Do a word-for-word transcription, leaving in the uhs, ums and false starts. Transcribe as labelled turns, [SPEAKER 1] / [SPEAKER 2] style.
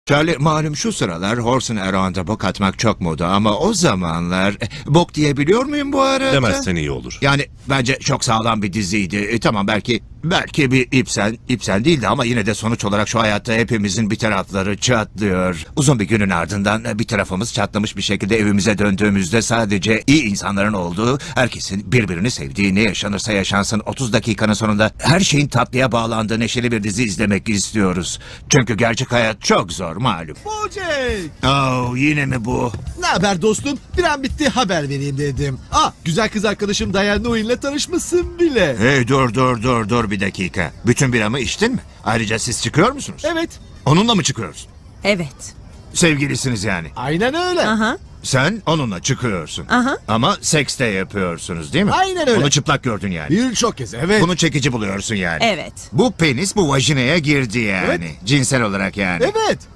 [SPEAKER 1] Charlie, malum şu sıralar Horse and Around'a bok atmak çok moda ama o zamanlar e, bok diyebiliyor muyum bu arada?
[SPEAKER 2] Demezsen iyi olur.
[SPEAKER 1] Yani bence çok sağlam bir diziydi. E, tamam belki belki bir ipsen, ipsen değildi ama yine de sonuç olarak şu hayatta hepimizin bir tarafları çatlıyor. Uzun bir günün ardından e, bir tarafımız çatlamış bir şekilde evimize döndüğümüzde sadece iyi insanların olduğu, herkesin birbirini sevdiği, ne yaşanırsa yaşansın otuz dakikanın sonunda her şeyin tatlıya bağlandığı neşeli bir dizi izlemek istiyoruz. Çünkü gerçek hayat çok zor malum.
[SPEAKER 3] Bocek!
[SPEAKER 1] Oh, yine mi bu?
[SPEAKER 3] Ne haber dostum? Bir an bitti, haber vereyim dedim. Ah, güzel kız arkadaşım Diane Noel'le tanışmışsın bile.
[SPEAKER 1] Hey dur dur dur dur bir dakika. Bütün biramı içtin mi? Ayrıca siz çıkıyor musunuz?
[SPEAKER 3] Evet,
[SPEAKER 1] Onunla mı çıkıyorsun?
[SPEAKER 4] Evet.
[SPEAKER 1] Sevgilisiniz yani.
[SPEAKER 3] aynen öyle.
[SPEAKER 4] Aha.
[SPEAKER 1] Sen onunla çıkıyorsun.
[SPEAKER 4] Aha.
[SPEAKER 1] Ama seks de yapıyorsunuz değil mi?
[SPEAKER 3] Aynen öyle.
[SPEAKER 1] Onu çıplak gördün yani.
[SPEAKER 3] Birçok kez, evet.
[SPEAKER 1] Bunu çekici buluyorsun yani.
[SPEAKER 4] Evet.
[SPEAKER 1] Bu penis bu vajinaya girdi yani.
[SPEAKER 3] Evet.
[SPEAKER 1] Cinsel olarak yani.
[SPEAKER 3] Evet.